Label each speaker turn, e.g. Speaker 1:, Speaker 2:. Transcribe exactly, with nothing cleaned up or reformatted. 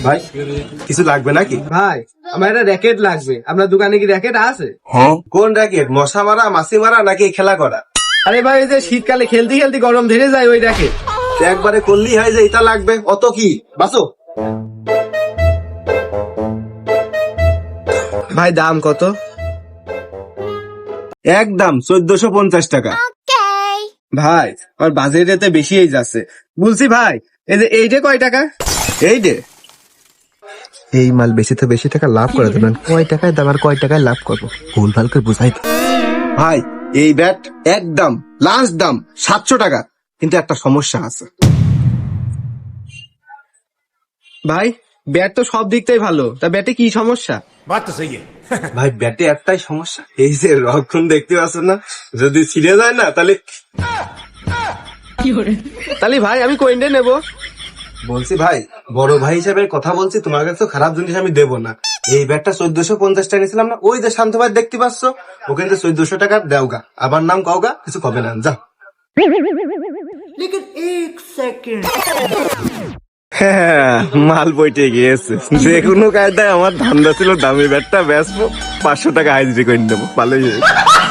Speaker 1: ভাই কিছু লাগবে নাকি?
Speaker 2: ভাই আমার একটা র্যাকেট লাগবে, আপনার দোকানে কি র্যাকেট আছে?
Speaker 1: কোন র্যাকেট? মশা মারা, মাছি মারা নাকি খেলা করা?
Speaker 2: আরে ভাই ওই যে শীতকালে খেলতে খেলতে গরম ধরে যায় ওই র্যাকেট।
Speaker 1: একবারে করলেই হয় যে এটা লাগবে, অত কি বাসো।
Speaker 2: ভাই দাম কত?
Speaker 1: একদম চোদ্দশো পঞ্চাশ টাকা।
Speaker 2: ভাই আমার বাজেট এতে বেশি হয়ে যাচ্ছে। বলছি ভাই এই যে এইটা কয় টাকা?
Speaker 1: এই যে
Speaker 3: এই মাল বেশি তো বেশি টাকা লাভ করে দেবেন, কয় টাকায় দাম আর কয় টাকায় লাভ করবো ভুল ভাল করে বুঝাই।
Speaker 1: ভাই এই ব্যাট একদম লাস্ট দাম সাতশো টাকা, কিন্তু একটা সমস্যা আছে।
Speaker 2: ভাই ব্যাট তো সব দিক থেকে ভালো, তা ব্যাটে কি সমস্যা?
Speaker 1: ভাই ব্যাটে একটাই সমস্যা, এই যে রক্ষণ দেখতে পাচ্ছেন না, যদি ছিঁড়ে যায় না তাহলে।
Speaker 2: তাহলে ভাই আমি কোয়েন্টে নেব।
Speaker 1: বলছি ভাই বড় ভাই হিসেবে কথা বলছি, তোমার কাছে তো খারাপ জিনিস আমি দেবো না। এই ব্যাটটা চোদ্দশো পঞ্চাশ টাকা নিয়েছিলাম না, ওই যে শান্ত ভাই দেখতে পাচ্ছ, ওখানে চোদ্দশো টাকা দেওগা, আবার নাম কাউগা, কিছু কবে না যা। হ্যাঁ মাল বইটে গিয়েছে, যে কোনো কায়দায় আমার ধান্দা ছিল দামি ব্যাটটা বেচবো, পাঁচশো টাকা হাজিরি করে নেবো, ভালোই হয়েছে।